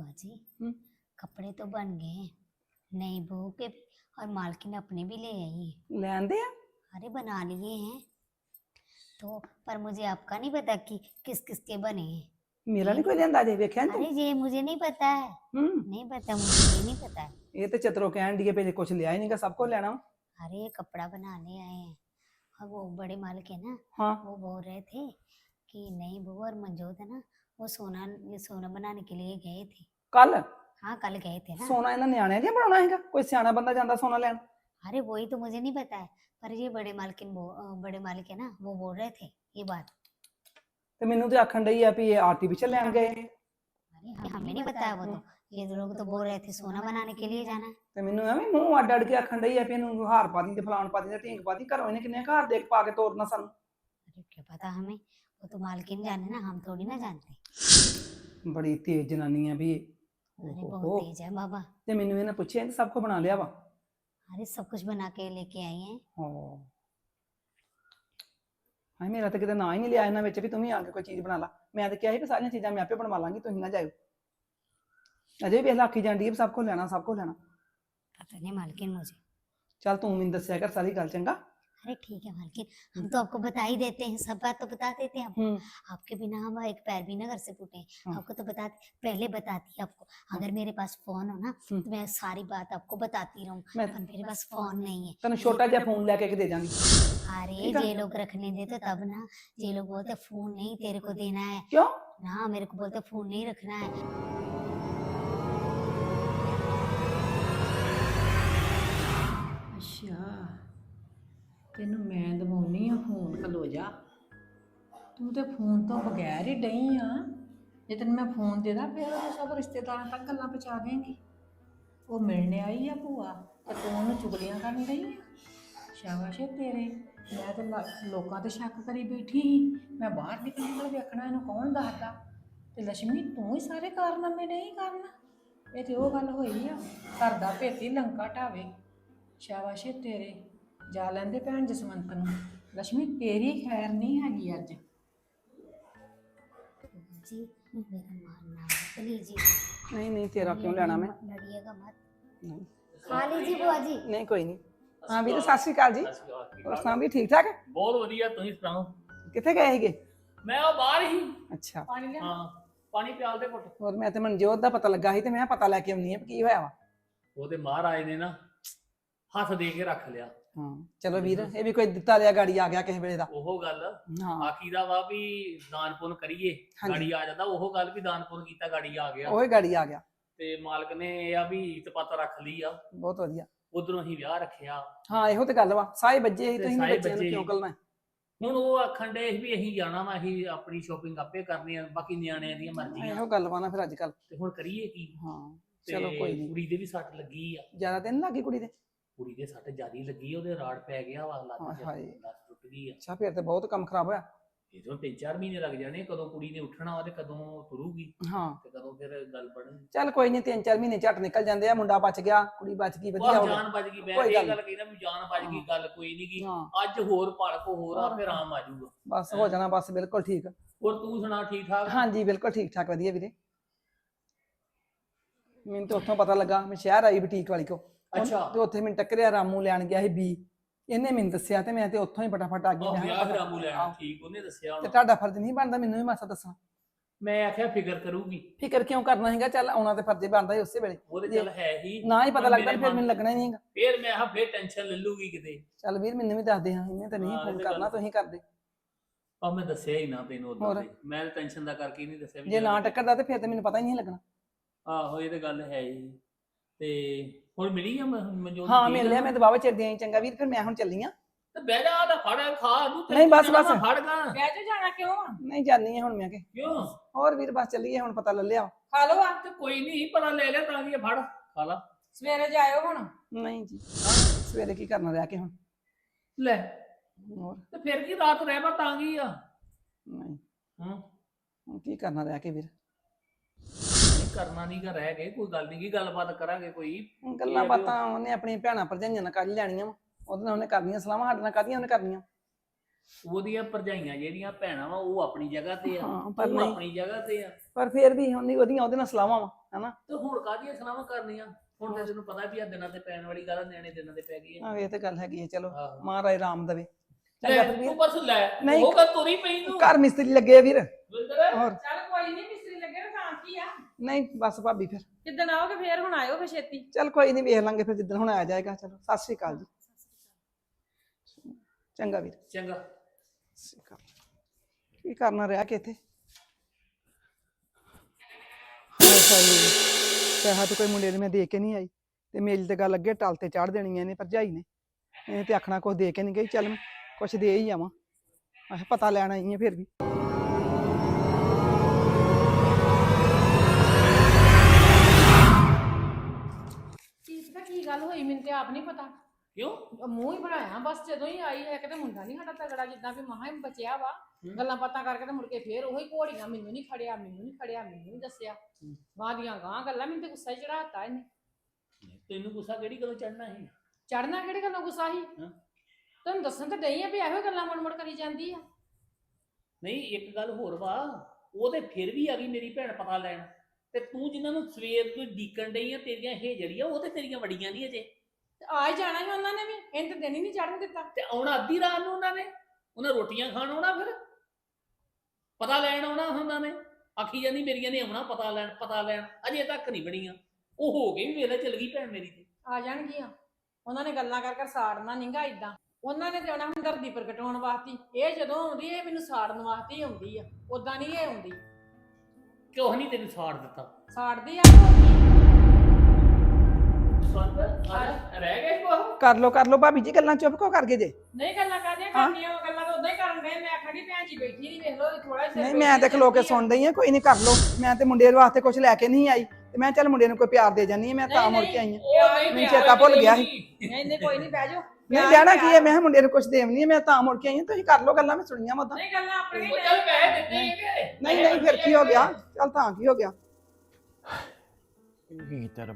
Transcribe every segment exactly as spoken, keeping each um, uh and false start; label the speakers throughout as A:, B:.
A: जी
B: हम्म।
A: कपड़े तो बन गए हैं, नई बहू के भी और मालकिन अपने भी ले आई है।
B: ले आंदे आ।
A: अरे बना लिए हैं तो, पर मुझे आपका नहीं पता कि किस किस के बने हैं।
B: मेरा
A: ये
B: नहीं कोई
A: तो,
B: लेंदा जे वेख्या नी
A: अरे
B: तू।
A: ये मुझे नहीं पता है,
B: हम्म।
A: नहीं पता मुझे, ये नहीं पता है।
B: ये तो चतरो कहन दी पे कुछ लिया ही नहीं का सब कुछ लेना वा।
A: अरे ये कपड़ा बनाने आए हैं और वो बड़े मालिक है ना,
B: हाँ।
A: वो बोल रहे थे कि नई बहू और मंजोत है ना, वो सोना ये सोना बनाने के लिए गए थे।
B: कल
A: हाँ कल गए थे ना।
B: सोना इन्हां न्याणिਆਂ ਦੀਆਂ ਬਣਾਉਣਾ ਹੈਗਾ ਕੋਈ ਸਿਆਣਾ ਬੰਦਾ ਜਾਂਦਾ सोना ਲੈਣ।
A: अरे वही तो मुझे नहीं पता है, पर ये बड़े मालकिन वो अ, बड़े मालिक है ना, वो बोल रहे थे ये बात।
B: ਤੇ ਮੈਨੂੰ ਤੇ ਆਖਣ ਡਈ ਆ ਵੀ ਇਹ ਆर्टिफिशियल ਲੈਣ गए ਨੇ।
A: अरे हमें नहीं पता है वो तो, ये लोग तो बोल रहे थे सोना बनाने के लिए जाना है।
B: ਤੇ ਮੈਨੂੰ ਐਵੇਂ ਮੂੰਹ ਅੱਡ ਅੱਡ ਕੇ ਆਖਣ ਡਈ ਆ ਵੀ ਇਹਨੂੰ ਹਾਰ ਪਾ ਦੀ ਤੇ ਫਲਾਣ ਪਾ ਦੀ ਤੇ ਢੀਂਗ ਪਾ ਦੀ ਘਰੋਂ ਇਹਨੇ ਕਿੰਨੇ ਘਰ ਦੇਖ ਪਾ ਕੇ ਤੋਰਨਾ ਸਾਨੂੰ।
A: अरे क्या पता हमें, वो तो मालकिन जाने ना, हम थोड़ी ना जानते।
B: ਬੜੀ ਤੇਜ਼ ਜਨਾਨੀ ਆ ਵੀ।
A: अरे
B: ਓਹੋ।
A: बहुत तेज है बाबा।
B: ਤੇ ਮੈਨੂੰ ਇਹਨੇ ਪੁੱਛਿਆ ਕਿ ਸਭ ਕੁਝ ਬਣਾ ਲਿਆ ਵਾ।
A: अरे सब कुछ बना के लेके आई हैं।
B: ਹਾਂ। ਹਾਂ ਮੇਰਾ ਤਾਂ ਕਿਤੇ ਨਾਂ ਹੀ ਨਹੀਂ ਲਿਆ ਇਹਨਾਂ ਵਿੱਚ ਵੀ ਤੂੰ ਵੀ ਆ ਕੇ ਕੋਈ ਚੀਜ਼ ਬਣਾ ਲਾ। ਮੈਂ ਤਾਂ ਕਿਹਾ ਸੀ ਵੀ ਸਾਰੀਆਂ ਚੀਜ਼ਾਂ ਮੈਂ ਆਪੇ ਬਣਵਾ ਲਾਂਗੀ ਤੁਸੀਂ ਨਾ ਜਾਇਓ। ਅਜੇ ਵੀ ਵੇਖ ਲਾ ਆਖੀ ਜਾਂਦੀ ਹੈ ਵੀ ਸਭ ਕੁਝ ਲੈਣਾ ਸਭ ਕੁਝ ਲੈਣਾ।
A: पता नहीं मालकिन मुझे।
B: ਚੱਲ ਤੂੰ ਮੈਨੂੰ ਦੱਸਿਆ ਕਰ ਸਾਰੀ ਗੱਲ ਚੰਗਾ।
A: अरे ठीक है मालकिन, हम तो आपको बता ही देते हैं, सब बात तो बता देते हैं आपको।
B: हम्म।
A: आपके बिना हम एक पैर भी ना घर से फूटे।
B: हाँ।
A: आपको तो बता, पहले बताती है आपको। अगर मेरे पास फोन हो ना
B: हम्म।
A: तो मैं सारी बात आपको बताती रहूं,
B: मैं
A: पर मेरे पास फोन नहीं है।
B: ਤੈਨੂੰ ਛੋਟਾ ਜਿਹਾ ਫੋਨ ਲੈ ਕੇ ਦੇ ਦਾਂਗੀ।
A: अरे
B: ठीक है।
A: ये लोग रखने दे तो तब ना, ये लोग बोलते फोन नहीं तेरे को देना है
B: ਕਿਉਂ?
A: ना, मेरे को बोलते फोन नहीं रखना है।
C: ਅੱਛਾ ਤੈਨੂੰ ਮੈਂ ਦਵਾਉਣੀ ਆ ਫੋਨ ਖਲੋ ਜਾ। ਤੂੰ ਤੇ ਫੋਨ ਤੋਂ ਬਗੈਰ ਹੀ ਡਈ ਆ। ਜੇ ਤੈਨੂੰ ਮੈਂ ਫੋਨ ਦੇ ਦਾਂ ਫਿਰ ਉਹ ਸਭ ਰਿਸ਼ਤੇਦਾਰਾਂ ਤੱਕ ਗੱਲਾਂ ਪਹੁੰਚਾ ਦੇਂਗੀ। ਉਹ ਮਿਲਣ ਆਈ ਆ ਭੂਆ ਤੇ ਤੂੰ ਉਹਨੂੰ ਚੁਗਲੀਆਂ ਕਰਨ ਡਈ ਆ। ਸ਼ਾਬਾਸ਼ ਏ ਤੇਰੇ। ਮੈਂ ਤੇ ਲ- ਲੋਕਾਂ ਤੇ ਸ਼ੱਕ ਕਰੀ ਬੈਠੀ ਸੀ। ਮੈਂ ਬਾਹਰ ਨਿਕਲ ਨਿਕਲ ਵੇਖਣਾ ਇਹਨੂੰ ਕੌਣ ਦੱਸਦਾ। ਤੇ ਲక్ష్ਮੀ ਤੂੰ ਹੀ ਸਾਰੇ ਕਾਰਨਾਮੇ ਨਹੀਂ ਕਰਨਾ। ਇਹ ਤੇ ਉਹ ਗੱਲ ਹੋਈ ਆ, ਘਰ ਦਾ ਭੇਤੀ ਲੰਕਾ ਢਾਵੇ। ਸ਼ਾਬਾਸ਼ ਏ ਤੇਰੇ। ਜਾ ਲੈਂਦੇ ਭੈਣ ਜਸਵੰਤ ਨੂੰ। ਲక్ష్ਮੀ ਤੇਰੀ ਖੈਰ ਨਹੀਂ ਹੈਗੀ ਅੱਜ।
A: जी मेरा मानना है, लीजिए।
B: ਨਹੀਂ ਨਹੀਂ ਤੇਰਾ ਕਿਉਂ ਲੈਣਾ ਮੈਂ।
A: लड़िएगा मत,
B: ਨਹੀਂ
A: खा लीजिए बुआ जी।
B: ਨਹੀਂ ਕੋਈ ਨਹੀਂ। ਹਾਂ ਵੀਰ ਸਤਿ ਸ਼੍ਰੀ ਅਕਾਲ ਜੀ। ਹੋਰ ਸੁਣਾ ਵੀ ਠੀਕ ਠਾਕ?
D: ਬਹੁਤ ਵਧੀਆ, ਤੁਸੀਂ ਸੁਣਾਓ?
B: ਕਿੱਥੇ ਗਏ ਸੀਗੇ?
D: ਮੈਂ ਉਹ ਬਾਹਰ ਹੀ।
B: ਅੱਛਾ।
C: ਪਾਣੀ ਲਿਆ।
D: ਹਾਂ ਪਾਣੀ ਪਿਆਲ ਦੇ ਘੁੱਟ।
B: ਹੋਰ ਮੈਂ ਤੇ ਮਨਜੋਤ ਦਾ ਪਤਾ ਲੱਗਾ ਸੀ ਤੇ ਮੈਂ ਪਤਾ ਲੈ ਕੇ ਆਉਣੀ ਆ ਵੀ ਕੀ ਹੋਇਆ ਵਾ।
D: ਉਹਦੇ ਮਹਾਰਾਜ ਨੇ ਨਾ ਹੱਥ ਦੇ ਕੇ ਰੱਖ ਲਿਆ।
B: ਹਾਂ ਚਲੋ ਵੀਰ ਇਹ ਵੀ ਕੋਈ ਦਿੱਤਾ ਲਿਆ ਗਾੜੀ ਆ ਗਿਆ ਕਿਸੇ ਵੇਲੇ ਦਾ।
D: ਉਹ ਗੱਲ
B: ਹਾਂ
D: ਆਖੀ ਦਾ ਵਾ ਵੀ ਦਾਨ ਪੁੰਨ ਕਰੀਏ
B: ਹਾਂਜੀ।
D: ਗਾੜੀ ਆ ਜਾਂਦਾ। ਉਹ ਗੱਲ ਵੀ ਦਾਨ ਪੁੰਨ ਕੀਤਾ ਗਾੜੀ ਆ ਗਿਆ।
B: ਉਹੀ ਗਾੜੀ ਆ ਗਿਆ।
D: ਤੇ ਮਾਲਕ ਨੇ ਇਹ ਆ ਵੀ ਇੱਜ਼ਤ ਪੱਤ ਰੱਖ ਲਈ ਆ।
B: ਬਹੁਤ ਵਧੀਆ।
D: ਉਧਰੋਂ ਹੀ ਵਿਆਹ ਰੱਖਿਆ।
B: ਹਾਂ ਇਹੋ ਤੇ ਗੱਲ ਵਾ ਸਾਏ ਬੱਜੇ ਸੀ
D: ਤੇ
B: ਤੁਸੀਂ
D: ਸਾਏ
B: ਬੱਚਿਆਂ ਨੂੰ
D: ਬੱਚੇ
B: ਕਿਉਂ
D: ਸੀ।
B: ਕਲਣਾ।
D: ਹੁਣ ਉਹ ਆਖਣ ਦੇ ਵੀ ਅਸੀਂ ਜਾਣਾ ਵਾ, ਅਸੀਂ ਆਪਣੀ ਸ਼ੋਪਿੰਗ ਆਪੇ ਕਰਨੀ ਆ, ਬਾਕੀ ਨਿਆਣਿਆਂ ਦੀਆਂ ਮਰਜ਼ੀਆਂ।
B: ਇਹੋ ਗੱਲ ਵਾ ਨਾ ਫਿਰ ਅੱਜ ਕੱਲ।
D: ਤੇ ਹੁਣ ਕਰੀਏ ਕੀ?
B: ਹਾਂ
D: ਤੇ
B: ਚਲੋ ਕੋਈ ਨਹੀਂ।
D: ਕੁੜੀ ਦੇ ਵੀ ਸੱਟ ਲੱਗੀ ਆ।
B: ਜ਼ਿਆਦਾ ਦਿਨ ਲੱਗੀ ਕੁੜੀ ਦੇ?
D: ਕੁੜੀ ਦੇ ਸੱਟ ਜ਼ਿਆਦੀ ਲੱਗੀ, ਉਹਦੇ ਰਾੜ ਪੈ ਗਿਆ ਵਾ, ਲੱਤ
B: ਹਾਏ
D: ਚ
B: ਹਾਏ।
D: ਲੱਤ ਟੁੱਟ ਗਈ ਆ।
B: ਅੱਛਾ ਫਿਰ ਤੇ ਬਹੁਤ ਕੰਮ ਖਰਾਬ ਹੋਇਆ।
D: ਇਹਦੋਂ ਤਿੰਨ ਚਾਰ ਮਹੀਨੇ ਲੱਗ ਜਾਣੇ, ਕਦੋਂ ਕੁੜੀ ਨੇ ਉੱਠਣਾ ਵਾ ਤੇ ਕਦੋਂ ਤੁਰੂਗੀ
B: ਹਾਂ
D: ਤੇ ਕਦੋਂ ਫਿਰ ਗੱਲ ਬਣਨੀ।
B: ਚੱਲ ਕੋਈ ਨਹੀਂ ਤਿੰਨ ਚਾਰ ਮਹੀਨੇ ਝੱਟ ਨਿਕਲ ਜਾਂਦੇ ਆ। ਮੁੰਡਾ ਬਚ ਗਿਆ ਕੁੜੀ ਬਚ ਗਈ ਵਧੀਆ
D: ਉਹ
B: ਹੋ ਗਿਆ।
D: ਜਾਨ ਬਚ ਗਈ। ਮੈਂ
B: ਕੋਈ ਗੱਲ
D: ਇਹ ਗੱਲ ਕਹਿਣਾ ਵੀ ਜਾਨ ਬਚ ਗਈ, ਗੱਲ ਕੋਈ ਨਹੀਂ ਗੀ।
B: ਹਾਂ
D: ਅੱਜ ਹੋਰ ਪਲਕ ਹੋਰ ਆ ਫਿਰ ਆਰਾਮ ਆ ਜਾਊਗਾ।
B: ਬਸ ਹੋ ਜਾਣਾ ਬਸ ਬਿਲਕੁਲ ਠੀਕ।
D: ਹੋਰ ਤੂੰ ਸੁਣਾ ਠੀਕ ਠਾਕ?
B: ਹਾਂਜੀ ਬਿਲਕੁਲ ਠੀਕ ਠਾਕ ਵਧੀਆ ਵੀਰੇ। ਮੈਨੂੰ ਤਾਂ ਉੱਥੋਂ ਪਤਾ ਲੱਗਾ ਮੈਂ ਸ਼ਹਿਰ ਆਈ ਬੁਟੀਕ ਵਾਲੀ ਕੋ।
D: ਅੱਛਾ।
B: ਤੇ ਉੱਥੇ ਮੈਨੂੰ ਟੱਕਰਿਆ ਰਾਮੂ ਲੈਣ ਗਿਆ ਸੀ ਬੀ। ਇਹਨੇ ਮੈਨੂੰ ਦੱਸਿਆ ਤੇ ਮੈਂ ਤੇ ਉੱਥੋਂ ਹੀ ਫਟਾਫਟ ਆ ਗਈ।
D: ਉਹ
B: ਮੈਂ
D: ਵਿਆਹ
B: ਕਿਹਾ
D: ਫਿਰ ਰਾਮੂ ਲੈਣਾ
B: ਆਹੋ।
D: ਠੀਕ ਉਹਨੇ ਦੱਸਿਆ
B: ਤੇ
D: ਹੋਣਾ।
B: ਤੁਹਾਡਾ ਫਰਜ਼ ਨਹੀਂ ਬਣਦਾ ਮੈਨੂੰ ਵੀ ਮਾਸਾ ਦੱਸਣਾ।
D: ਮੈਂ ਆਖਿਆ ਫਿਕਰ ਕਰੂਗੀ।
B: ਫਿਕਰ ਕਿਉਂ ਕਰਨਾ ਹੈਗਾ ਚੱਲ ਆਉਣਾ ਤੇ ਫਰਜ਼ ਬਣਦਾ ਹੀ ਉਸੇ ਵੇਲੇ।
D: ਉਹ ਤੇ ਚੱਲ ਹੈ ਹੀ।
B: ਨਾ ਹੀ ਪਤਾ
D: ਹੁਣ
B: ਲੱਗਦਾ
D: ਮੇਰੇ
B: ਫਿਰ ਮੈਨੂੰ
D: ਮਨ-
B: ਲੱਗਣਾ ਹੀ ਨਹੀਂ ਹੈਗਾ।
D: ਫਿਰ ਮੈਂ ਆ ਫਿਰ ਟੈਨਸ਼ਨ ਲੈ ਲੂਗੀ ਕਿਤੇ।
B: ਚੱਲ ਵੀਰ ਮੈਨੂੰ ਵੀ ਦੱਸ ਦੇ ਹਾਂ ਇਹਨੇ ਤਾਂ ਨਹੀਂ
D: ਹਾਂ, ਇਹ
B: ਫੋਨ
D: ਤਾਂ
B: ਕਰਨਾ
D: ਗੱਲ-
B: ਤੁਸੀਂ ਕਰਦੇ।
D: ਆ ਮੈਂ ਦੱਸਿਆ ਹੀ ਨਾ ਤੈਨੂੰ ਉਦੋਂ
B: ਹੋਰ?
D: ਤੇ ਮੈਂ ਟੈਨਸ਼ਨ ਦਾ ਕਰਕੇ ਹੀ ਨਹੀਂ ਦੱਸਿਆ ਵੀ
B: ਜੇ ਨਾ
D: ਜਾਣਾ।
B: ਟੱਕਰਦਾ ਤੇ ਫਿਰ ਤੇ ਮੈਨੂੰ ਪਤਾ ਹੀ ਨਹੀਂ ਲੱਗਣਾ।
D: ਆਹੋ ਇਹ ਤੇ ਗੱਲ ਹੈ ਹੀ। ਤੇ ਹੁਣ ਮਿਲੀ ਆ ਮ- ਮਨਜੋਤ
B: ਹਾਂ
D: ਠੀਕ
B: ਮਿਲ
D: ਆ
B: ਲਿਆ
D: ਨਾ?
B: ਮੈਂ ਦਬਾਵੇ ਚਿਰ ਦੀਆਂ ਚੰਗਾ ਵੀਰ ਫਿਰ ਮੈਂ ਹੁਣ ਚੱਲੀ ਆ।
D: ਤੇ ਬਹਿ ਜਾ ਨਾ ਫੜ ਖਾ ਨੂੰ
B: ਨਹੀਂ, ਬਸ, ਬਸ।
D: ਫੜ ਗਾ।
C: ਬਹਿ ਜਾ, ਜਾਣਾ ਕਿਉਂ ਆ?
B: ਨਹੀਂ ਜਾਨੀ ਆ ਹੁਣ ਮੈਂ ਕਿ
D: ਕਿਉਂ?
B: ਹੋਰ ਵੀਰ ਬਸ ਚੱਲੀਏ ਹੁਣ ਪਤਾ ਲੈ ਲਿਆ।
C: ਖਾ ਲਓ ਆ।
D: ਤੇ ਕੋਈ ਨਹੀਂ ਪਤਾ ਲੈ ਲਿਆ ਤਾਂ ਕੀ ਆ, ਫੜ ਖਾ ਲਾ।
C: ਸਵੇਰੇ ਜਾਇਓ ਹੁਣ।
B: ਨਹੀਂ ਜੀ ਸਵੇਰੇ ਕੀ ਕਰਨਾ ਰਹਿ ਕੇ ਹੁਣ।
D: ਲੈ
B: ਹੋਰ
D: ਤੇ ਫਿਰ ਕੀ ਰਾਤ ਰਹਿ ਪਾ ਤਾਂ ਕੀ ਆ?
B: ਨਹੀਂ
D: ਹਾਂ
B: ਹੁਣ ਕੀ ਕਰਨਾ ਰਹਿ ਕੇ ਵੀਰ।
D: ਨਹੀਂ ਕਰਨਾ ਨਹੀਂ ਗਾ ਰਹਿ ਗਏ, ਕੋਈ ਗੱਲ ਨਹੀਂ ਕੀ ਗੱਲਬਾਤ ਕਰਾਂਗੇ ਕੋਈ।
B: ਹੁਣ ਗੱਲਾਂ ਬਾਤਾਂ ਉਹਨੇ ਆਪਣੀ ਭੈਣਾਂ ਭਰਜਾਈਆਂ ਨਾਲ ਕਰ ਹੀ ਲੈਣੀਆਂ ਵਾ। ਉਹਦੇ ਨਾਲ ਉਹਨੇ ਕਰਨੀਆਂ ਸਲਾਹਾਂ ਸਾਡੇ ਨਾਲ ਕਾਹਦੀਆਂ ਉਹਨੇ ਕਰਨੀਆਂ।
D: ਉਹਦੀਆਂ ਭਰਜਾਈਆਂ ਜਿਹੜੀਆਂ ਭੈਣਾਂ ਵਾ ਉਹ ਆਪਣੀ ਜਗ੍ਹਾ ਤੇ ਆ,
B: ਹਾਂ, ਪਰ
D: ਉਹ
B: ਨਹੀਂ।
D: ਆਪਣੀ ਜਗ੍ਹਾ ਤੇ ਆ।
B: ਪਰ ਫੇਰ ਵੀ ਉਹਦੀ ਉਹਦੀਆਂ ਉਹਦੇ ਨਾਲ ਸਲਾਹਾਂ ਵਾ ਹਨਾ।
D: ਤੇ ਹੁਣ ਕਾਹਦੀਆਂ ਸਲਾਹਾਂ ਕਰਨੀਆਂ? ਹੁਣ ਤਾਂ ਤੈਨੂੰ ਪਤਾ ਵੀ ਆ ਦਿਨਾਂ ਤੇ ਪੈਣ ਵਾਲੀ ਗੱਲ ਆ, ਨਿਆਣੇ ਦਿਨਾਂ ਤੇ ਪੈ ਗਈ ਆ।
B: ਆਹ ਇਹ ਤੇ ਗੱਲ ਹੈਗੀ ਹੈ। ਚਲੋ
D: ਆਹੋ।
B: ਮਹਾਰਾਜ ਰਾਮ ਦੇਵੇ।
D: ਲੈ
B: ਚੰਗਾ ਫਿਰ
D: ਤੂੰ
B: ਵੀਰ,
D: ਬਸ ਲੈ
B: ਨਹੀਂ।
D: ਉਹ ਗੱਲ ਤੁਰੀ ਪਈ ਤੂੰ
B: ਘਰ ਮਿਸਤਰੀ ਲੱਗੇ ਆ ਵੀਰ।
D: ਵਿੰਦਰ
B: ਹੋਰ
C: ਚੱਲ ਕੋਈ ਨਹੀਂ, ਮਿਸਤਰੀ ਲੱਗੇ ਨਾ ਤਾਂ ਕੀ ਆ।
B: ਨਹੀਂ ਬਸ ਭਾਬੀ ਫਿਰ
C: ਕਿੱਦਣ ਆਓਗੇ ਫੇਰ? ਹੁਣ ਆਇਓ ਫੇਰ ਛੇਤੀ।
B: ਚੱਲ ਕੋਈ ਨਹੀਂ, ਵੇਖ ਲਾਂਗੇ ਫਿਰ ਜਿੱਦਣ ਹੁਣ ਆਇਆ ਜਾਏਗਾ। ਚਲੋ ਸਤਿ ਸ਼੍ਰੀ ਅਕਾਲ ਜੀ। ਚੰਗਾ ਵੀਰ।
D: ਚੰਗਾ।
B: ਸਤਿ ਸ਼੍ਰੀ ਅਕਾਲ। ਕੀ ਕਰਨਾ ਰਿਹਾ ਕਿ ਇੱਥੇ ਪੈਸਾ ਤੇ ਕੋਈ ਮੁੰਡੇ ਨੇ ਮੈਂ ਦੇ ਕੇ ਨਹੀਂ ਆਈ ਤੇ ਮੇਰੀ ਤੇ ਗੱਲ ਅੱਗੇ ਟਲ ਤੇ ਚਾੜ ਦੇਣੀਆਂ ਨੇ ਭਰਜਾਈ ਨੇ। ਇਹ ਤੇ ਆਖਣਾ ਕੁਛ ਦੇ ਕੇ ਨਹੀਂ ਗਈ, ਚੱਲ ਮੈਂ ਕੁਛ ਦੇ ਹੀ ਆਵਾਂ। ਆਹ ਪਤਾ ਲੈਣ ਆਈ ਆ ਫਿਰ ਵੀ।
C: ਕੀ ਪਤਾ ਕੀ ਗੱਲ ਹੋਈ, ਮੈਨੂੰ ਤੇ ਆਪ ਨਹੀਂ ਪਤਾ।
D: ਕਿਉਂ?
C: ਮੂੰਹ ਹੀ ਬਣਾਇਆ ਬਸ ਜਦੋਂ ਹੀ ਆਈ ਹੈ। ਕਿਤੇ ਮੁੰਡਾ ਨਹੀਂ ਸਾਡਾ ਤਗੜਾ, ਜਿੱਦਾਂ ਵੀ ਮਹਾ ਹੀ ਬਚਿਆ ਵਾ। ਗੱਲਾਂ ਬਾਤਾਂ ਕਰਕੇ ਤੇ ਮੁੜ ਕੇ ਫੇਰ ਉਹੀ ਘੋੜੀਆਂ, ਮੈਨੂੰ ਨਹੀਂ ਖੜਿਆ, ਮੈਨੂੰ ਨਹੀਂ ਖੜਿਆ, ਮੈਨੂੰ ਨਹੀਂ ਦੱਸਿਆ। ਬਾਅਦ ਦੀਆਂ ਗਾਂ ਗੱਲਾਂ, ਮੈਨੂੰ ਤੇ ਗੁੱਸਾ ਹੀ ਚੜਾਤਾ ਇਹਨੇ।
D: ਤੈਨੂੰ ਗੁੱਸਾ ਕਿਹੜੀ ਗੱਲੋਂ ਚੜਨਾ ਸੀ?
C: ਚੜਨਾ ਕਿਹੜੀ ਗੱਲੋਂ ਗੁੱਸਾ ਸੀ?
D: ਹਾਂ।
C: ਤੁਹਾਨੂੰ ਦੱਸਣ ਤੇ ਡਈ ਆ ਵੀ ਇਹੋ ਗੱਲਾਂ ਮੁੜ ਮੁੜ ਕਰੀ ਜਾਂਦੀ ਆ।
D: ਨਹੀਂ ਇੱਕ ਗੱਲ ਹੋਰ ਵਾ, ਉਹ ਤੇ ਫਿਰ ਵੀ ਆ ਗਈ ਮੇਰੀ ਭੈਣ ਪਤਾ ਲੈਣ, ਤੇ ਤੂੰ ਜਿਨ੍ਹਾਂ ਨੂੰ ਸਵੇਰ ਤੋਂ ਡੀਕਣ ਡਈ ਆ, ਤੇਰੀਆਂ ਇਹ ਜੜੀਆਂ ਉਹ ਤੇ ਤੇਰੀਆਂ ਵੜੀਆਂ ਨਹੀਂ ਅਜੇ।
C: ਤੇ ਆ ਹੀ ਜਾਣਾ ਸੀ ਉਹਨਾਂ ਨੇ ਵੀ, ਇਹਨੇ ਤੇ ਦਿਨ ਹੀ ਨਹੀਂ ਚੜਨ ਦਿੱਤਾ।
D: ਤੇ ਆਉਣਾ ਅੱਧੀ ਰਾਤ ਨੂੰ ਉਹਨਾਂ ਨੇ, ਉਹਨਾਂ ਰੋਟੀਆਂ ਖਾਣ ਆਉਣਾ, ਫਿਰ ਪਤਾ ਲੈਣ ਆਉਣਾ ਉਹਨਾਂ ਨੇ। ਆਖੀ ਜਾਂਦੀ ਮੇਰੀਆਂ ਨੇ ਆਉਣਾ ਪਤਾ ਲੈਣ, ਪਤਾ ਲੈਣ, ਅਜੇ ਤੱਕ ਨਹੀਂ ਬਣੀਆਂ। ਉਹ ਹੋ ਕੇ ਵੀ ਵੇਲੇ ਚਲ ਗਈ ਭੈਣ ਮੇਰੀ ਤੇ।
C: ਆ ਜਾਣਗੀਆਂ ਉਹਨਾਂ ਨੇ ਗੱਲਾਂ ਕਰ ਕਰ ਸਾੜਨਾ ਨਹੀਂਗਾ ਇਦਾਂ। ਉਹਨਾਂ ਨੇ ਤੇ ਆਉਣਾ ਹਮਦਰਦੀ ਪ੍ਰਗਟਾਉਣ ਵਾਸਤੇ। ਇਹ ਜਦੋਂ ਆਉਂਦੀ ਇਹ ਮੈਨੂੰ ਸਾੜਨ ਵਾਸਤੇ ਹੀ ਆਉਂਦੀ ਆ, ਉਦਾਂ ਨਹੀਂ ਇਹ ਆਉਂਦੀ।
D: ਕਿਉਂ ਨਹੀਂ ਤੈਨੂੰ ਸਾੜ ਦਿੱਤਾ?
C: ਸਾੜਦੀ ਆ ਹੋਰ ਕੀ।
D: ਸੰਤ ਰਹਿ ਗਏ ਕੋ?
B: ਕਰ ਲੋ ਕਰ ਲੋ ਭਾਬੀ ਜੀ, ਗੱਲਾਂ ਚੁੱਪ ਕੋ ਕਰਕੇ ਜੇ।
C: ਨਹੀਂ ਗੱਲਾਂ ਕਰਦੀਆਂ ਕਰਨੀਆਂ, ਉਹ ਗੱਲਾਂ ਤਾਂ ਉਦਾਂ ਹੀ ਕਰਨ ਗਏ। ਮੈਂ ਖੜੀ ਭੈਣ ਜੀ ਬੈਠੀ ਨਹੀਂ, ਵੇਖ ਲੋ ਥੋੜਾ ਜਿਹਾ।
B: ਨਹੀਂ ਮੈਂ ਤੇ ਖਲੋ ਕੇ ਸੁਣ ਰਹੀ ਆ, ਕੋਈ ਨਹੀਂ ਕਰ ਲੋ। ਮੈਂ ਤੇ ਮੁੰਡੇ ਵਾਸਤੇ ਕੁਝ ਲੈ ਕੇ ਨਹੀਂ ਆਈ ਤੇ ਮੈਂ ਚੱਲ ਮੁੰਡੇ ਨੂੰ ਕੋਈ ਪਿਆਰ ਦੇ ਜਾਨੀ ਆ, ਮੈਂ ਤਾਂ ਮੁੜ ਕੇ ਆਈ ਆ। ਮੈਨੂੰ ਚੇਤਾ ਭੁੱਲ ਗਿਆ ਸੀ।
C: ਨਹੀਂ ਨਹੀਂ ਕੋਈ ਨਹੀਂ, ਬਹਿ ਜਾਓ।
B: ਨਹੀਂ ਜਾਣਾ ਕੀ ਹੈ, ਮੈਂ ਕਿਹਾ ਮੁੰਡੇ ਨੂੰ ਕੁਝ ਦੇਵਨੀ ਹੈ, ਮੈਂ ਤਾਂ ਮੁੜ ਕੇ ਆਈ ਹਾਂ। ਤੁਸੀਂ ਕਰ ਲੋ ਗੱਲਾਂ, ਮੈਂ ਸੁਣੀਆਂ ਮਤਾਂ।
C: ਨਹੀਂ ਗੱਲਾਂ ਆਪਣੀਆਂ ਹੀ
D: ਚੱਲ ਪੈਸੇ ਦਿੱਤੇ ਹੈਗੇ।
B: ਨਹੀਂ ਨਹੀਂ ਫਿਰ ਕੀ ਹੋ ਗਿਆ? ਚੱਲ ਤਾਂ ਕੀ ਹੋ ਗਿਆ?
E: ਕੀ ਤਰਬ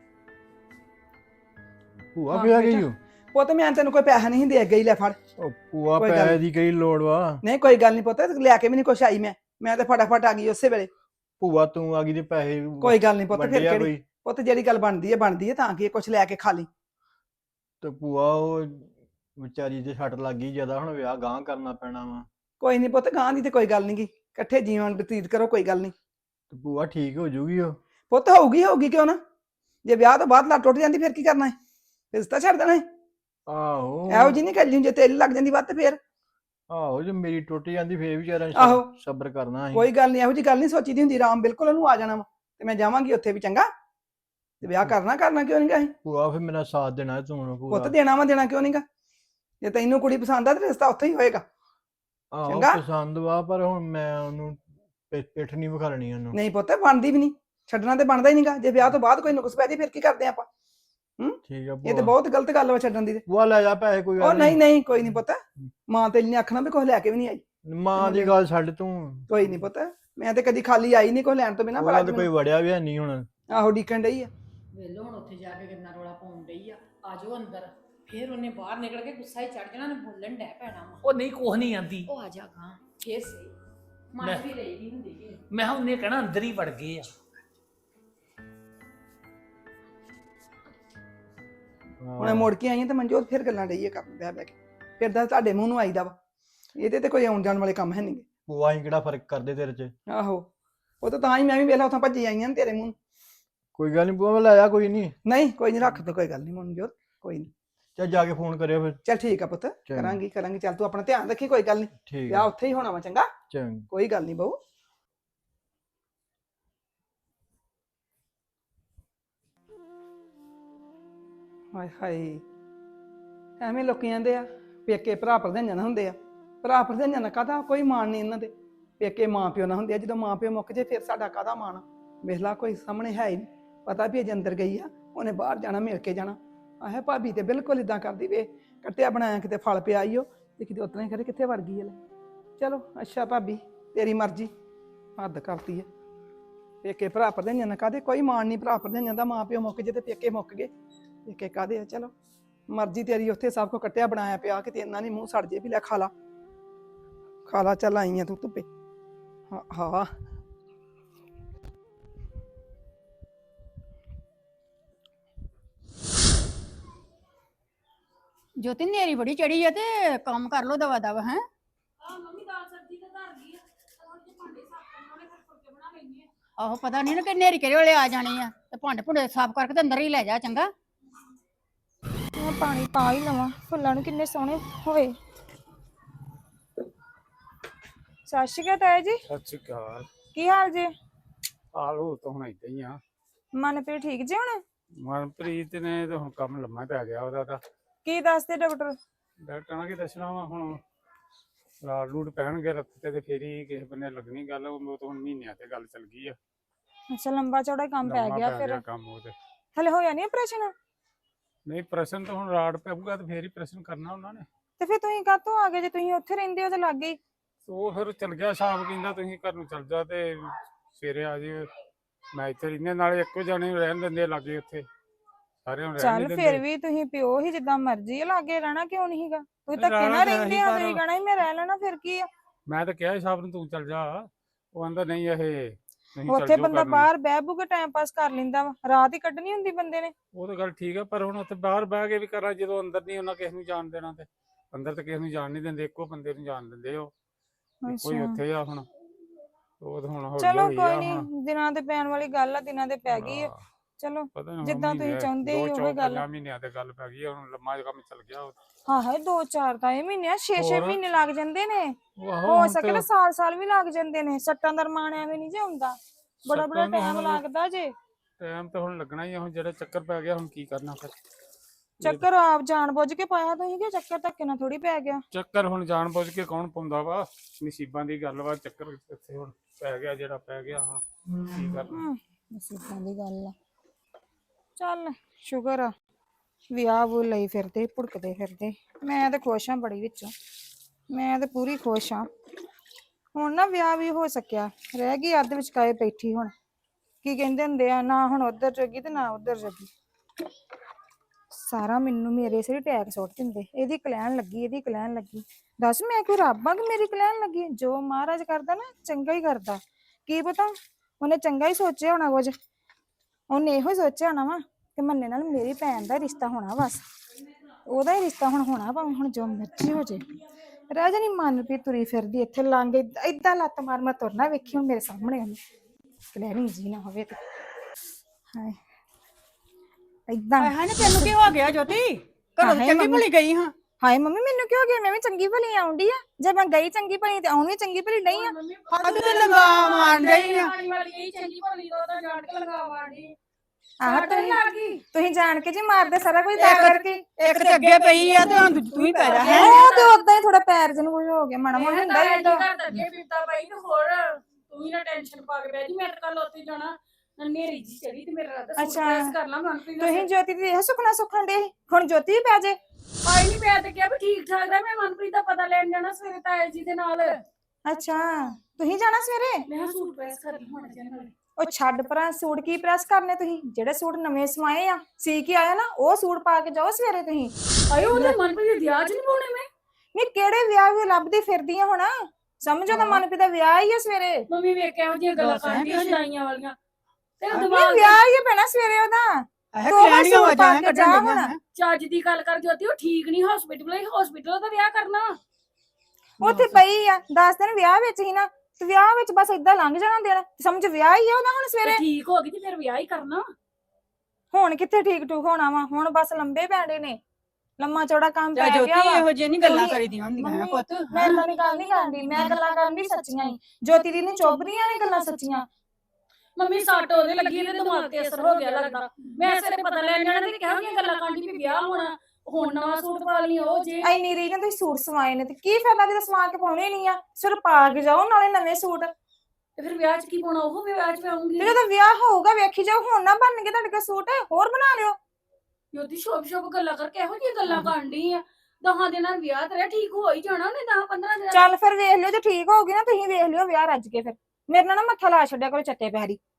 E: ਭੂਆ ਪਿਆ ਗਈ ਓ?
B: ਪੁੱਤ ਮੈਂ ਤੈਨੂੰ ਕੋਈ ਪੈਸਾ ਨਹੀਂ ਦੇ ਗਈ, ਲੈ ਫੜ।
E: ਉਹ ਭੂਆ
B: ਕੋਈ ਗੱਲ
E: ਪੈਸੇ ਦੀ ਕਿਹੜੀ ਲੋੜ ਵਾ?
B: ਨਹੀਂ ਕੋਈ ਗੱਲ ਨਹੀਂ ਪੁੱਤ, ਲੈ ਕੇ ਵੀ ਨਹੀਂ ਕੁਛ ਆਈ। ਮੈਂ ਮੈਂ ਤੇ ਫਟਾਫਟ ਆ ਗਈ ਉਸੇ ਵੇਲੇ।
E: ਭੂਆ ਤੂੰ ਆ ਗਈ ਤੇ ਪੈਸੇ
B: ਕੋਈ ਗੱਲ ਨਹੀਂ ਪੁੱਤ, ਫਿਰ
E: ਵੰਡੇ ਆ
B: ਕਿਹੜੀ
E: ਕੋਈ?
B: ਪੁੱਤ ਜਿਹੜੀ ਗੱਲ ਬਣਦੀ ਹੈ ਬਣਦੀ ਹੈ, ਤਾਂ ਕੀ ਕੁਛ ਲੈ ਕੇ ਖਾ ਲਈ।
E: ਤੇ ਭੂਆ ਉਹ ਵਿਚਾਰੀ ਦੇ ਛੱਟ ਲੱਗ ਗਈ ਜਿਆਦਾ, ਹੁਣ ਵਿਆਹ ਗਾਂ ਕਰਨਾ ਪੈਣਾ ਵਾ।
B: ਕੋਈ ਨਹੀਂ ਪੁੱਤ, ਗਾਂ ਦੀ ਤੇ ਕੋਈ ਗੱਲ ਨਹੀਂ ਗੀ, ਇਕੱਠੇ ਜੀਵਨ ਬਤੀਤ ਕਰੋ, ਕੋਈ ਗੱਲ ਨਹੀਂ।
E: ਤੇ ਭੂਆ ਠੀਕ ਹੋ ਜੂਗੀ ਉਹ?
B: ਪੁੱਤ ਹੋਊਗੀ ਹੋਊਗੀ, ਕਿਉਂ ਨਾ। ਜੇ ਵਿਆਹ ਤੋਂ ਬਾਅਦ ਲੱਤ ਟੁੱਟ ਜਾਂਦੀ ਫਿਰ ਕੀ ਕਰਨਾ ਹੈ? ਰਿਸ਼ਤਾ ਛੱਡ ਦੇਣਾ ਹੈ?
E: ਆਹੋ
B: ਇਹੋ ਜੀ ਨਹੀਂ ਕਰਨੀ, ਜੇ ਤੇਲ ਲੱਗ ਜਾਂਦੀ ਵੱਧ ਤੇ ਫਿਰ।
E: ਆਹੋ ਜੇ ਮੇਰੀ ਟੁੱਟ ਜਾਂਦੀ ਫੇਰ ਵਿਚਾਰਾ
B: ਆਹੋ।
E: ਸਬਰ ਕਰਨਾ ਸੀ।
B: ਕੋਈ ਗੱਲ ਨਹੀਂ, ਇਹੋ ਜੀ ਗੱਲ ਨਹੀਂ ਸੋਚੀ ਦੀ ਹੁੰਦੀ। ਰਾਮ ਬਿਲਕੁਲ ਉਹਨੂੰ ਆ ਜਾਣਾ ਵਾ ਤੇ ਮੈਂ ਜਾਵਾਂਗੀ ਉੱਥੇ ਵੀ, ਚੰਗਾ। ਤੇ ਵਿਆਹ ਕਰਨਾ ਕਰਨਾ ਕਿਉਂ ਨਹੀਂ ਗਾ?
E: ਭੂਆ ਫਿਰ ਮੇਰਾ ਸਾਥ ਦੇਣਾ ਤੂੰ ਹੁਣ
B: ਪੁੱਤ
E: ਪੂਰਾ।
B: ਦੇਣਾ ਵਾ, ਦੇਣਾ ਕਿਉਂ ਨਹੀਂ ਗਾ? ਜੇ ਤੈਨੂੰ ਕੁੜੀ ਪਸੰਦ ਆ ਤੇ ਰਿਸ਼ਤਾ ਉੱਥੇ ਹੀ ਹੋਏਗਾ।
E: ਆਹੋ
B: ਚੰਗਾ।
E: ਪਸੰਦ ਵਾ, ਪਰ ਹੁਣ ਮੈਂ ਉਹਨੂੰ ਪਿ- ਪਿੱਠ ਨਹੀਂ ਵਿਖਾਲਣੀ ਉਹਨੂੰ।
B: ਨਹੀਂ ਪੁੱਤ, ਬਣਦੀ ਵੀ ਨਹੀਂ, ਛੱਡਣਾ ਤੇ ਬਣਦਾ ਹੀ ਨਹੀਂਗਾ। ਜੇ ਵਿਆਹ ਤੋਂ ਬਾਅਦ ਕੋਈ ਨੁਕਸ ਪੈ ਜੇ ਫਿਰ ਕੀ ਕਰਦੇ ਆਪਾਂ?
E: ਠੀਕ ਆ
B: ਇਹ ਤੇ
E: ਭੂਆ।
B: ਬਹੁਤ ਗਲਤ ਗੱਲ ਵਾ ਛੱਡਣ ਦੀ ਤੇ।
E: ਭੂਆ ਲੈ ਜਾ ਪੈਸੇ, ਕੋਈ
B: ਉਹ
E: ਗੱਲ
B: ਨਹੀਂ ਨਹੀਂ ਕੋਈ ਨਹੀਂ ਪੁੱਤ, ਮਾਂ ਤੇਰੀ ਨੇ ਆਖਣਾ ਵੀ ਕੁਛ ਲੈ ਕੇ ਵੀ ਨਹੀਂ ਆਈ।
E: ਮਾਂ ਦੀ ਗੱਲ ਛੱਡ ਤੂੰ।
B: ਕੋਈ ਨਹੀਂ ਪੁੱਤ, ਮੈਂ ਤੇ ਕਦੀ ਖਾਲੀ ਆਈ ਨਹੀਂ ਕੁਛ ਲੈਣ ਤੋਂ ਬਿਨਾਂ।
E: ਉਹਦਾ ਤਾਂ ਕੋਈ ਵੜਿਆ ਵੀ ਹੈ ਨਹੀਂ ਹੁਣ।
B: ਆਹੋ ਡੀਕਣ ਡਈ ਆ।
C: ਵੇਲੋ ਹੁਣ ਉੱਥੇ ਜਾ ਕੇ ਕਿੰਨਾ ਰੋਲਾ ਪਾਉਣ ਡਈ ਆ। ਆ ਜਾਓ ਅੰਦਰ। ਫੇਰ ਉਹਨੇ ਬਾਹਰ ਨਿਕਲ ਕੇ ਗੁੱਸਾ ਹੀ ਚੜ ਜਾਣਾ, ਨੇ ਬੋਲਣ ਡੈ ਪੈਣਾ ਵਾ।
D: ਉਹ ਨਹੀਂ ਕੁਛ ਨਹੀਂ ਆਂਦੀ।
C: ਉਹ ਆ ਜਾ ਗਾਂ ਫੇਰ ਸਹੀ ਮਨ
D: ਮੈਂ-
C: ਵੀ ਰਹੀ ਦੀ ਹੁੰਦੀ ਹੈ।
D: ਮੈਂ ਕਿਹਾ ਉਹਨੇ ਕਹਿਣਾ ਅੰਦਰ ਹੀ ਵੜ ਗਏ ਆ।
B: ਹੁਣ ਮੁੜ ਕੇ ਆਈ ਆ ਤੇ ਮਨਜੋਤ ਫਿਰ ਗੱਲਾਂ ਡਈ ਆ ਕਰਨ ਬਹਿ ਬਹਿ ਕੇ। ਫਿਰ ਦੱਸ ਤੁਹਾਡੇ ਮੂੰਹ ਨੂੰ ਆਈਦਾ ਵਾ, ਇਹਦੇ ਤੇ ਕੋਈ ਆਉਣ ਜਾਣ ਵਾਲੇ ਕੰਮ ਹੈ ਨਹੀਂਗੇ।
E: ਭੂਆ ਅਸੀਂ ਕਿਹੜਾ ਫਰਕ ਕਰਦੇ ਤੇਰੇ 'ਚ?
B: ਆਹੋ ਉਹ ਤਾਂ ਤਾਂ ਹੀ ਮੈਂ ਵੀ ਵੇਲਾ ਉੱਥੋਂ ਭੱਜੀ ਆਈਆਂ ਤੇਰੇ ਮੂੰਹ ਨੂੰ।
E: ਕੋਈ ਗੱਲ ਨਹੀਂ ਭੂਆ, ਮੈਂ ਲੈ ਜਾ, ਕੋਈ ਨਹੀਂ।
B: ਨਹੀਂ ਕੋਈ ਨਹੀਂ, ਰੱਖ ਦੋ, ਕੋਈ ਗੱਲ ਨਹੀਂ ਮਨਜੋਤ, ਕੋਈ ਨਹੀਂ।
E: ਚੱਲ ਜਾ ਕੇ ਫੋਨ ਕਰਿਓ ਫਿਰ।
B: ਚੱਲ ਠੀਕ ਆ ਪੁੱਤ, ਕਰਾਂਗੀ ਕਰਾਂਗੀ। ਚੱਲ ਤੂੰ ਆਪਣਾ ਧਿਆਨ ਰੱਖੀ, ਕੋਈ ਗੱਲ ਨਹੀਂ।
E: ਠੀਕ
B: ਵਿਆਹ
E: ਆ,
B: ਉੱਥੇ ਹੀ ਹੋਣਾ ਵਾ, ਚੰਗਾ।
E: ਚੰਗਾ।
B: ਕੋਈ ਗੱਲ ਨਹੀਂ ਬਹੂ। ਹਾਏ ਹਾਏ, ਐਵੇਂ ਲੋਕੀ ਕਹਿੰਦੇ ਆ ਪੇਕੇ ਭਰਾ ਭਰਜਾਈਆਂ ਨਾਲ ਹੁੰਦੇ ਆ। ਭਰਾ ਭਰਜਾਈਆਂ ਨਾਲ ਕਾਹਦਾ ਕੋਈ ਮਾਣ ਨਹੀਂ ਇਹਨਾਂ ਦੇ। ਪੇਕੇ ਮਾਂ ਪਿਓ ਨਾਲ ਹੁੰਦੇ ਆ। ਜਦੋਂ ਮਾਂ ਪਿਓ ਮੁੱਕ ਜੇ ਫਿਰ ਸਾਡਾ ਕਾਹਦਾ ਮਾਣ ਆ? ਵੇਖ ਲਾ, ਕੋਈ ਸਾਹਮਣੇ ਹੈ ਹੀ ਨਹੀਂ। ਪਤਾ ਵੀ ਅਜੇ ਅੰਦਰ ਗਈ ਆ, ਉਹਨੇ ਬਾਹਰ ਜਾਣਾ, ਮਿਲ ਕੇ ਜਾਣਾ। ਆਹੇ ਭਾਬੀ ਤੇ ਬਿਲਕੁਲ ਇਦਾਂ ਕਰਦੀ ਵੇ, ਕੱਟਿਆ ਬਣਾਇਆ ਕਿਤੇ ਫਲ ਪਿਆ ਈ ਓ ਤੇ ਕਿਤੇ ਉਤਨਾ ਹੀ ਕਰੇ ਕਿੱਥੇ ਵੜ ਗਈ ਹੈ। ਚਲੋ ਅੱਛਾ ਭਾਬੀ, ਤੇਰੀ ਮਰਜ਼ੀ। ਹੱਦ ਕਰਤੀ ਹੈ। ਪੇਕੇ ਭਰਾ ਭਰਜਾਈਆਂ ਨਾਲ ਕਾਹਦੇ ਕੋਈ ਮਾਣ ਨਹੀਂ। ਭਰਾ ਭਰਜਾਈਆਂ ਦਾ ਮਾਂ ਪਿਓ ਮੁੱਕ ਜੇ ਤੇ ਪੇਕੇ ਮੁੱਕ ਗਏ, ਪੇਕੇ ਕਾਹਦੇ ਆ? ਚਲੋ ਮਰਜ਼ੀ ਤੇਰੀ, ਉੱਥੇ ਸਭ ਕੋ ਕੱਟਿਆ ਬਣਾਇਆ ਪਿਆ, ਕਿਤੇ ਇੰਨਾ ਨਹੀਂ ਮੂੰਹ ਸੜ ਜੇ ਵੀ ਲੈ ਖਾ ਲਾ। ਖਾ ਲਾ, ਚੱਲ ਆਈ ਆ ਤੂੰ ਧੁੱਪੇ। ਹਾਂ ਹਾਂ
F: ਜੋਤੀ ਨੇਰੀ ਬੜੀ ਚੜੀ ਆ ਤੇ ਕੰਮ ਕਰ ਲੋ ਦਵਾ ਦਵਾ ਹੈ।
G: ਆ ਮੰਮੀ ਦਾਲ ਸਬਜ਼ੀ ਤਾਂ ਧਰ ਗਈ ਆ ਹੁਣ ਜੇ ਭਾਂਡੇ ਸਾਫ਼ ਕਰਨੇ ਉਹਨੇ ਫਿਰ ਫੁਲਕੇ ਬਣਾ ਲੈਣੀ ਆ।
F: ਆਹੋ ਪਤਾ ਨਹੀਂ ਨਾ ਕਿ ਨੇਰੀ ਕਿਹੜੇ ਵੇਲੇ ਆ ਜਾਣੀ ਆ ਤੇ ਭਾਂਡੇ ਭੁੰਡੇ ਸਾਫ਼ ਕਰਕੇ ਤੇ ਅੰਦਰ ਹੀ ਲੈ ਜਾ ਚੰਗਾ।
H: ਮੈਂ ਪਾਣੀ ਪਾ ਹੀ ਲਵਾਂ, ਫੁੱਲਾਂ ਨੂੰ ਕਿੰਨੇ ਸੋਹਣੇ ਹੋਏ। ਸਤਿ ਸ਼੍ਰੀ ਅਕਾਲ ਤਾਇਆ ਜੀ,
I: ਸਤਿ ਸ਼੍ਰੀ ਅਕਾਲ।
H: ਕੀ ਹਾਲ ਜੀ?
I: ਹਾਲ ਹੋ ਤਾਂ ਹੁਣ ਏਦਾਂ ਹੀ ਆ।
H: ਮਨਪ੍ਰੀਤ ਠੀਕ ਜੀ ਹੁਣ?
I: ਮਨਪ੍ਰੀਤ ਨੇ ਤਾਂ ਹੁਣ ਕੰਮ ਲੰਮਾ ਪੈ ਗਿਆ ਉਹਦਾ ਤਾਂ।
H: ਕੀ ਦੱਸਦੇ ਡਾਕਟਰ?
I: ਡਾਕਟਰ ਨੇ ਕੀ ਦੱਸਣਾ ਵਾ ਹੁਣ, ਰਾੜ ਰੂੜ ਪੈਣਗੇ ਰੱਤੇ ਤੇ ਫੇਰ ਹੀ ਕਿਸੇ ਬੰਨੇ ਲੱਗਣੀ ਗੱਲ। ਉਹ ਤਾਂ ਹੁਣ ਮਹੀਨਿਆਂ ਤੇ ਗੱਲ ਚੱਲ ਗਈ ਆ।
H: ਅੱਛਾ ਲੰਬਾ ਚੌੜਾ ਕੰਮ ਪੈ
I: ਲੰਮਾ
H: ਗਿਆ ਫਿਰ?
I: ਕੰਮ ਉਹਦੇ
H: ਹਲੇ ਹੋਇਆ ਨਹੀਂ ਆਪਰੇਸ਼ਨ?
I: ਨਹੀਂ, ਪ੍ਰਸ਼ਨ ਤਾਂ ਹੁਣ ਰਾੜ ਪਊਗਾ ਤੇ ਫੇਰ ਹੀ ਪ੍ਰਸ਼ਨ ਕਰਨਾ ਉਹਨਾਂ ਨੇ।
H: ਤੇ ਫਿਰ ਤੁਸੀਂ ਕਾਹਤੋਂ ਆ ਗਏ ਜੇ ਤੁਸੀਂ ਉੱਥੇ ਰਹਿੰਦੇ ਹੋ ਤੇ ਲੱਗ ਗਈ?
I: ਉਹ ਫਿਰ ਚੱਲ ਗਿਆ ਸ਼ਾਮ, ਕਹਿੰਦਾ ਤੁਸੀਂ ਘਰ ਨੂੰ ਚੱਲ ਜਾ ਤੇ ਸਵੇਰੇ ਆ ਜਿਓ। ਮੈਂ ਇੱਥੇ ਰਹਿੰਦੇ, ਨਾਲੇ ਇੱਕੋ ਜਾਣੇ ਨੂੰ ਰਹਿਣ ਦਿੰਦੇ ਆ ਲਾਗੇ ਉੱਥੇ, ਸਾਰੇ ਹੁਣ ਰਹਿਣ
H: ਚੱਲ
I: ਨਹੀਂ
H: ਫਿਰ
I: ਦਿੰਦੇ।
H: ਵੀ ਤੁਸੀਂ ਪਿਓ ਹੀ ਜਿੱਦਾਂ ਮਰਜ਼ੀ ਆ, ਲਾਗੇ ਰਹਿਣਾ ਕਿਉਂ ਨਹੀਂ ਹੈਗਾ? ਤੁਸੀਂ
I: ਰਹਿਣਾ
H: ਧੱਕੇ ਨਾਲ
I: ਤਾਂ
H: ਰਹਿੰਦੇ
I: ਇਹੀ
H: ਆ,
I: ਪਰ-
H: ਤੁਸੀਂ ਕਹਿਣਾ ਸੀ ਮੈਂ ਰਹਿ ਲੈਣਾ, ਫਿਰ ਕੀ ਆ?
I: ਮੈਂ ਤਾਂ ਕਿਹਾ ਸ਼ਾਮ ਨੂੰ ਤੂੰ ਚੱਲ ਜਾ, ਉਹ ਕਹਿੰਦਾ ਨਹੀਂ ਇਹ ਤੁਸੀਂ ਚੱਲ
H: ਉੱਥੇ
I: ਜਾਓ
H: ਬੰਦਾ
I: ਘਰ ਨੂੰ।
H: ਬਾਹਰ ਬਹਿ ਬੂ ਕੇ ਟਾਈਮ ਪਾਸ ਕਰ ਲੈਂਦਾ ਵਾ, ਰਾਤ ਹੀ ਕੱਢਣੀ ਹੁੰਦੀ ਬੰਦੇ ਨੇ।
I: ਉਹ ਤਾਂ ਗੱਲ ਠੀਕ ਆ, ਪਰ ਹੁਣ ਉੱਥੇ ਬਾਹਰ ਬਹਿ ਕੇ ਵੀ ਕਰਾਂ ਜਦੋਂ ਅੰਦਰ ਨਹੀਂ ਉਹਨਾਂ ਕਿਸੇ ਨੂੰ ਜਾਣ ਦੇਣਾ। ਤੇ ਅੰਦਰ ਤਾਂ ਕਿਸੇ ਨੂੰ ਜਾਣ ਨਹੀਂ ਦਿੰਦੇ, ਇੱਕੋ ਬੰਦੇ ਨੂੰ ਜਾਣ ਦਿੰਦੇ। ਉਹ ਕੋਈ
H: ਅੱਛਾ
I: ਉੱਥੇ ਆ ਹੁਣ, ਉਹ ਤਾਂ ਹੁਣ ਹੌਲੀ
H: ਚਲੋ
I: ਹੌਲੀ
H: ਕੋਈ
I: ਆ ਹੁਣ।
H: ਨਹੀਂ, ਦਿਨਾਂ ਤੇ ਪੈਣ ਵਾਲੀ ਗੱਲ ਆ, ਦਿਨਾਂ ਤੇ ਪੈ ਗਈ ਆ।
I: ਹਾਂ,
H: ਚਲੋ
I: ਪਤਾ ਨੀ
H: ਜਿੱਦਾਂ
I: ਹੁਣ
H: ਤੁਸੀਂ
I: ਮਹੀਨੇ-
H: ਚਾਹੁੰਦੇ
I: ਦੋ
H: ਸੀ
I: ਚੌ
H: ਉਹੀ ਗੱਲ।
I: ਪੰਜਾਂ ਮਹੀਨਿਆਂ ਤੇ ਗੱਲ ਪੈ ਗਈ ਆ, ਹੁਣ ਲੰਮਾ ਜਿਹਾ ਕੰਮ ਚੱਲ ਗਿਆ ਉਹ।
H: ਹਾਂ ਹੈ ਦੋ ਚਾਰ ਤਾਂ ਇਹ ਮਹੀਨੇ ਛੇ ਛੇ
I: ਹੋਰ?
H: ਮਹੀਨੇ ਲੱਗ ਜਾਂਦੇ ਨੇ।
I: ਉਹ ਆਹੋ
H: ਹੋ
I: ਹੁਣ
H: ਸਕੇ
I: ਤੇ
H: ਤਾਂ ਸਾਲ ਸਾਲ ਵੀ ਲੱਗ ਜਾਂਦੇ ਨੇ। ਸੱਟਾਂ ਦਾ ਰਮਾਨ ਐਵੇਂ ਨਹੀਂ ਜੇ ਹੁੰਦਾ, ਬੜਾ ਬੜਾ
I: ਸੱਟਾਂ ਨੂੰ
H: ਟਾਈਮ
I: ਹੁਣ-
H: ਲੱਗਦਾ ਜੇ।
I: ਟਾਈਮ ਤਾਂ ਹੁਣ ਲੱਗਣਾ ਹੀ ਆ। ਹੁਣ ਜਿਹੜਾ ਚੱਕਰ ਪੈ ਗਿਆ ਹੁਣ ਕੀ ਕਰਨਾ ਫਿਰ।
H: ਚੱਕਰ ਆਪ ਜਾਣ ਬੁੱਝ ਕੇ ਪਾਇਆ ਤੁਸੀਂ ਕਿ ਚੱਕਰ ਧੱਕੇ ਨਾਲ ਥੋੜੀ ਪੈ ਗਿਆ?
I: ਚੱਕਰ ਹੁਣ ਜਾਣ ਬੁੱਝ ਕੇ ਕੌਣ ਪਾਉਂਦਾ ਵਾ, ਨਸੀਬਾਂ ਦੀ ਗੱਲ ਵਾ। ਚੱਕਰ ਇੱਥੇ ਹੁਣ ਪੈ ਗਿਆ ਜਿਹੜਾ ਪੈ ਗਿਆ, ਹੁਣ ਕੀ ਕਰਨਾ।
H: ਹਮ, ਬਸ ਇਦਾਂ ਦੀ ਗੱਲ ਆ। ਚੱਲ ਸ਼ੁਕਰ ਆ, ਵਿਆਹ ਵੂ ਲਈ ਫਿਰਦੇ ਭੁੜਕਦੇ ਫਿਰਦੇ। ਮੈਂ ਤੇ ਖੁਸ਼ ਹਾਂ ਬੜੀ ਵਿੱਚੋਂ, ਮੈਂ ਤੇ ਪੂਰੀ ਖੁਸ਼ ਹਾਂ। ਹੁਣ ਨਾ ਵਿਆਹ ਵੀ ਹੋ ਸਕਿਆ, ਰਹਿ ਗਈ ਅੱਧ ਵਿਚਕਾਏ ਬੈਠੀ। ਹੁਣ ਕੀ ਕਹਿੰਦੇ ਹੁੰਦੇ ਆ, ਨਾ ਹੁਣ ਉਧਰ ਜੋਗੀ ਤੇ ਨਾ ਉਧਰ ਜੋਗੀ। ਸਾਰਾ ਮੈਨੂੰ ਮੇਰੇ ਸਿਰ ਟੈਗ ਸੁੱਟ ਦਿੰਦੇ, ਇਹਦੀ ਕਲੈਣ ਲੱਗੀ, ਇਹਦੀ ਕਲੈਣ ਲੱਗੀ। ਦੱਸ ਮੈਂ ਕੋਈ ਰੱਬ ਆ ਕਿ ਮੇਰੀ ਕਲੈਣ ਲੱਗੀ? ਜੋ ਮਹਾਰਾਜ ਕਰਦਾ ਨਾ ਚੰਗਾ ਹੀ ਕਰਦਾ। ਕੀ ਪਤਾ ਉਹਨੇ ਚੰਗਾ ਹੀ ਸੋਚਿਆ ਹੋਣਾ ਕੁਝ, ਉਹਨੇ ਇਹੋ ਹੀ ਸੋਚਿਆ ਹੋਣਾ ਵਾ ਕਿ ਮੰਨੇ ਨਾਲ ਮੇਰੀ ਭੈਣ ਦਾ ਰਿਸ਼ਤਾ ਹੋਣਾ, ਬਸ ਉਹਦਾ ਹੀ ਰਿਸ਼ਤਾ ਹੁਣ ਹੋਣਾ, ਭਾਵੇਂ ਹੁਣ ਜੋ ਮਰਜ਼ੀ ਹੋ ਜੇ। ਰਹਿ ਜਾਣੀ ਮਨਪ੍ਰੀਤ ਤੁਰੀ ਫਿਰਦੀ ਇੱਥੇ ਲੰਘ, ਏਦਾਂ ਲੱਤ ਮਾਰ ਮਾਰ ਤੁਰਨਾ, ਵੇਖੀ ਹੁਣ ਮੇਰੇ ਸਾਹਮਣੇ ਉਹਨੇ ਕਲੈਣੀ ਜੀ ਨਾ ਹੋਵੇ ਤੇ। ਹਾਏ ਏਦਾਂ।
F: ਹਾਂ ਨੇ ਤੈਨੂੰ ਕੀ ਹੋ ਗਿਆ ਜੋਤੀ? ਘਰੋਂ
H: ਹਾਏ
F: ਚੰਗੀ
H: ਮੰਮੀ।
F: ਭਲੀ ਗਈ ਹਾਂ।
H: ਹਾਏ ਮੰਮੀ ਮੈਨੂੰ ਕਿਉਂ ਗਿਆ? ਮੈਂ ਵੀ ਚੰਗੀ ਭਲੀ ਆਉਂਦੀ ਆ। ਜੇ ਮੈਂ ਗਈ ਚੰਗੀ ਭਲੀ ਤੇ ਆਉਣ ਵੀ ਚੰਗੀ ਭਲੀ ਨਹੀਂ ਆ।
F: ਹੱਦ ਤੇ ਲਗਾ ਮਾਰ ਰਹੀ ਆ।
G: ਪਾਣੀ ਵਾਲੀ ਗਈ ਚੰਗੀ ਭਲੀ ਤੋਂ ਤਾਂ ਜਾਣ ਕੇ ਲਗਾ ਮਾਰਦੀ।
H: ਆਹ ਤੁਸੀਂ ਤੁਸੀਂ ਜਾਣ ਕੇ ਜੀ ਮਾਰਦੇ ਸਾਰਾ ਕੁਝ ਤਾਂ ਕਰਕੇ।
F: ਇੱਕ ਤੇ ਅੱਗੇ ਪਈ ਆ ਤੇ ਹੁਣ ਦੂਜੀ ਤੂੰ ਹੀ ਪੈ ਜਾ ਹੈ।
H: ਉਹ ਤੇ ਉਦਾਂ ਹੀ ਥੋੜਾ ਪੈਰ ਜਨ ਕੁਝ ਹੋ ਗਿਆ, ਮਾੜਾ ਮੋਟਾ ਹੁੰਦਾ ਹੀ ਹੁੰਦਾ।
G: ਘਰ ਅੱਗੇ ਪੀਤਾ ਪਈ ਨੂੰ ਹੋਰ ਤੂੰ ਵੀ ਨਾ ਟੈਨਸ਼ਨ ਪਾ ਕੇ ਬਹਿ ਜੀ। ਮੈਂ ਤਾਂ ਕੱਲ ਉੱਥੇ ਜਾਣਾ, ਨੇਰੀ ਜੀ ਚੜੀ ਤੇ ਮੇਰਾ ਰਾਤ ਸੂਟ
H: ਅੱਛਾ।
G: ਪ੍ਰੈਸ ਕਰ ਲਾਂ ਮਨਪ੍ਰੀਤ ਦਾ।
H: ਤੁਸੀਂ ਜੋਤੀ ਦੀ ਇਹ ਸੁਖਣਾ ਸੁਖਣ ਦੇ, ਹੁਣ ਜੋਤੀ ਵੀ ਪੈ ਜੇ।
G: ਆਈ ਨਹੀਂ, ਮੈਂ ਤਾਂ ਕਿਹਾ ਵੀ ਠੀਕ ਠਾਕ ਦਾ। ਮੈਂ ਮਨਪ੍ਰੀਤ ਦਾ ਪਤਾ ਲੈਣ ਜਾਣਾ ਸਵੇਰੇ ਤਾਏ ਜੀ ਦੇ ਨਾਲ।
H: ਅੱਛਾ ਤੁਸੀਂ ਜਾਣਾ ਸਵੇਰੇ?
G: ਮੈਂ ਕਿਹਾ ਸੂਟ ਪ੍ਰੈਸ ਕਰ ਲਈ ਹੁਣ ਜੇ ਨਾਲ।
H: ਉਹ ਛੱਡ ਪਰਾਂ, ਸੂਟ ਕੀ ਪ੍ਰੈਸ ਕਰਨੇ? ਤੁਸੀਂ ਜਿਹੜੇ ਸੂਟ ਨਵੇਂ ਸਵਾਏ ਆ ਸੀ ਕੇ ਆਇਆ ਨਾ, ਉਹ ਸੂਟ ਪਾ ਕੇ ਜਾਓ ਸਵੇਰੇ ਤੁਸੀਂ।
G: ਆਏ ਉਹਦੇ ਮਨਪ੍ਰੀਤ ਦੇ ਵਿਆਹ ਚ ਨਹੀਂ ਪਾਉਣੇ ਮੈਂ।
H: ਨਹੀਂ ਕਿਹੜੇ ਵਿਆਹ ਵੀ ਲੱਭਦੀ ਫਿਰਦੀ ਆ ਹੁਣ? ਸਮਝੋ ਤਾਂ ਮਨਪ੍ਰੀਤ ਦਾ ਵਿਆਹ ਹੀ ਆ ਸਵੇਰੇ।
G: ਮੰਮੀ ਵੇਖ ਇਹੋ ਜਿਹੀਆਂ ਗੱਲਾਂ ਕਰਦੀਆਂ ਸ਼ਦਾਈਆਂ ਵਾਲੀਆਂ। ਤੇਰਾ
H: ਨਹੀਂ
G: ਦਿਮਾਗ
H: ਵਿਆਹ ਹੀ ਆ ਪੈਣਾ ਸਵੇਰੇ ਉਹਦਾ।
F: ਇਹ
H: ਤੂੰ ਬਸ
F: ਕਲੈਣੀਆਂ
H: ਸੂਟ ਪਾ
F: ਵਜਾਂ
H: ਕੇ ਜਾ
F: ਕੱਢਣ
H: ਹੁਣ।
F: ਲੱਗੀਆਂ।
G: ਚੱਜ ਦੀ ਗੱਲ ਕਰ ਜੋਤੀ, ਉਹ ਠੀਕ ਨਹੀਂ ਹਸਪੀਟਲ ਹੈ, ਹਸਪੀਟਲ ਦਾ ਵਿਆਹ ਕਰਨਾ।
H: ਉੱਥੇ ਪਈ ਆ ਦਸ ਦਿਨ ਵਿਆਹ ਵਿੱਚ ਹੀ ਨਾ, ਤੇ ਵਿਆਹ ਵਿੱਚ ਬਸ ਏਦਾਂ ਲੰਘ ਜਾਣਾ ਦੇਣਾ। ਸਮਝ ਵਿਆਹ ਹੀ ਆ ਉਹਦਾ ਹੁਣ
G: ਤੇ
H: ਸਵੇਰੇ।
G: ਠੀਕ ਹੋ ਗਈ ਤੇ ਫਿਰ ਵਿਆਹ ਹੀ ਕਰਨਾ।
H: ਹੁਣ ਕਿੱਥੇ ਠੀਕ ਠੂਕ ਹੋਣਾ ਵਾ, ਹੁਣ ਬਸ ਲੰਬੇ ਪੈਂਦੇ ਨੇ, ਲੰਮਾ ਚੌੜਾ ਕੰਮ
F: ਜਾ
H: ਪੈ
F: ਜੋਤੀ
H: ਗਿਆ ਵਾ।
F: ਇਹੋ ਜਿਹੀ ਨਹੀਂ ਗੱਲਾਂ
H: ਤੁਸੀਂ-
F: ਕਰੀਦੀਆਂ ਹੁੰਦੀਆਂ
H: ਮੰਮੀ,
F: ਪੁੱਤ।
H: ਮੈਂ ਏਦਾਂ ਦੀ ਗੱਲ ਨਹੀਂ ਕਰਦੀ, ਮੈਂ ਗੱਲਾਂ ਕਰਨ ਦੀ ਸੱਚੀਆਂ ਹੀ। ਜੋਤੀ ਦੀ ਨੇ ਚੋਬਰੀਆਂ ਨੇ ਗੱਲਾਂ ਸੱਚੀਆਂ।
G: ਮੰਮੀ ਸੱਟ ਉਹਦੇ ਲੱਗੀ, ਇਹਦੇ ਦਿਮਾਗ ਤੇ ਅਸਰ ਹੋ ਗਿਆ ਲੱਗਦਾ। ਮੈਂ ਸਵੇਰੇ ਪਤਾ ਲੈਣ ਜਾਣਾ ਤੇ ਕਿਹੋ ਜਿਹੀਆਂ ਗੱਲਾਂ ਕਾਂਡੀ ਵੀ ਵਿਆਹ ਹੋਣਾ, ਹੁਣ ਨਵਾਂ ਸੂਟ ਪਾ ਲਈ ਉਹ ਜੇ।
H: ਐਨੀ ਰੀਜ ਤੁਸੀਂ ਸੂਟ ਸਵਾਏ ਨੇ ਤੇ ਕੀ ਫਾਇਦਾ ਜਦੋਂ ਸਵਾ ਕੇ ਪਾਉਣੇ ਨਹੀਂ ਆ? ਸਿਰ ਪਾ ਕੇ ਜਾਓ ਨਾਲੇ ਨਵੇਂ ਸੂਟ।
G: ਤੇ ਫਿਰ ਵਿਆਹ ਚ ਕੀ ਪਾਉਣਾ? ਉਹ ਵੀ ਵਿਆਹ ਚ ਪਾਉਂਗੀ।
H: ਤੇ ਜਦੋਂ ਵਿਆਹ ਹੋਊਗਾ ਵੇਖੀ ਜਾਓ, ਹੁਣ ਨਾ ਬਣਨਗੇ ਤੁਹਾਡੇ ਕੋਲ ਸੂਟ, ਹੋਰ ਬਣਾ ਲਿਓ।
G: ਜੋਤੀ ਸ਼ੋਭ ਸ਼ੋਭ ਗੱਲਾਂ ਕਰਕੇ ਇਹੋ ਜਿਹੀਆਂ ਗੱਲਾਂ ਕਾਂਡੀ ਆ। ਦਹਾਂ ਦਿਨਾਂ ਨੂੰ ਵਿਆਹ ਤੇਰਾ ਠੀਕ ਹੋ ਹੀ ਜਾਣਾ ਉਹਨੇ, ਦਸ ਪੰਦਰਾਂ ਦਿਨਾਂ।
H: ਚੱਲ ਫਿਰ ਵੇਖ ਲਿਓ, ਜੇ ਠੀਕ ਹੋਊਗੀ ਨਾ ਤੁਸੀਂ ਵੇਖ ਲਿਓ ਵਿਆਹ ਰੱਜ ਕੇ। ਫਿਰ ਮੇਰੇ ਨਾਲ ਨਾ ਮੱਥਾ ਲਾ ਛੱਡਿਆ ਕਰੋ ਚੱਟੇ ਪੈਰੀ।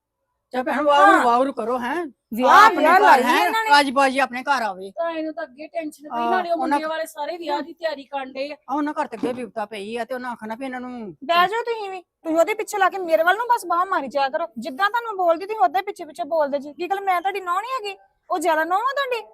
F: ਚਾ ਭੈਣ ਵਾਹ ਵਾਹ ਕਰੋ ਹੈ
H: ਵਿਆਹ ਵਿਆਹ ਲਾਈ ਇਹਨਾਂ ਨੇ
F: ਅੱਜ ਬਾਜੀ ਆਪਣੇ ਘਰ ਆਵੇ
G: ਤਾਂ ਇਹਨੂੰ ਤਾਂ ਅੱਗੇ ਟੈਨਸ਼ਨ ਪਈ
F: ਆਹ,
G: ਨਾਲੇ ਉਹ
F: ਉਹਨਾਂ-
G: ਮੁੰਡੇ ਵਾਲੇ ਸਾਰੇ ਵਿਆਹ ਦੀ ਤਿਆਰੀ ਕਰਨ ਡੇ ਆ।
F: ਆ ਉਹਨਾਂ ਘਰ ਤੇ ਅੱਗੇ ਬਿਪਤਾ ਪਈ ਆ ਤੇ ਉਹਨਾਂ ਆਖਣਾ ਵੀ ਇਹਨਾਂ ਨੂੰ
H: ਬਹਿ ਜਾਓ ਤੁਸੀਂ ਵੀ ਤੁਸੀਂ ਉਹਦੇ ਪਿੱਛੇ ਲਾ ਕੇ ਮੇਰੇ ਵੱਲ ਨੂੰ ਬਸ ਬਾਹ ਮਾਰੀ ਜਾਇਆ ਕਰੋ ਜਿੱਦਾਂ ਤੁਹਾਨੂੰ ਬੋਲਦੀ ਤੁਸੀਂ ਉਹਦੇ ਪਿੱਛੇ ਪਿੱਛੇ ਬੋਲਦੇ ਜੀ ਕੀ ਗੱਲ ਮੈਂ ਤੁਹਾਡੀ ਨੌਂ ਨਹੀਂ ਹੈਗੀ ਉਹ ਜ਼ਿਆਦਾ ਨੌਂ ਆ ਤੁਹਾਡੀ